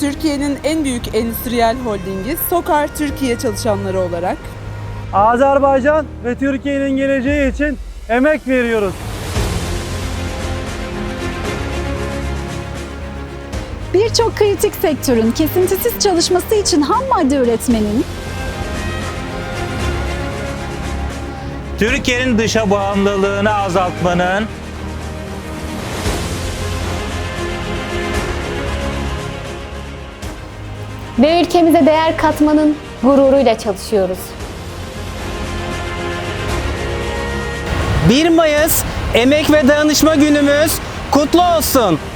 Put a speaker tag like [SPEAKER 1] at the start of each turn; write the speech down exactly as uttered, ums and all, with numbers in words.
[SPEAKER 1] Türkiye'nin en büyük endüstriyel holdingi Sokar Türkiye çalışanları olarak
[SPEAKER 2] Azerbaycan ve Türkiye'nin geleceği için emek veriyoruz.
[SPEAKER 3] Birçok kritik sektörün kesintisiz çalışması için ham madde üretmenin,
[SPEAKER 4] Türkiye'nin dışa bağımlılığını azaltmanın,
[SPEAKER 5] ve ülkemize değer katmanın gururuyla çalışıyoruz.
[SPEAKER 6] bir Mayıs Emek ve Dayanışma Günümüz kutlu olsun.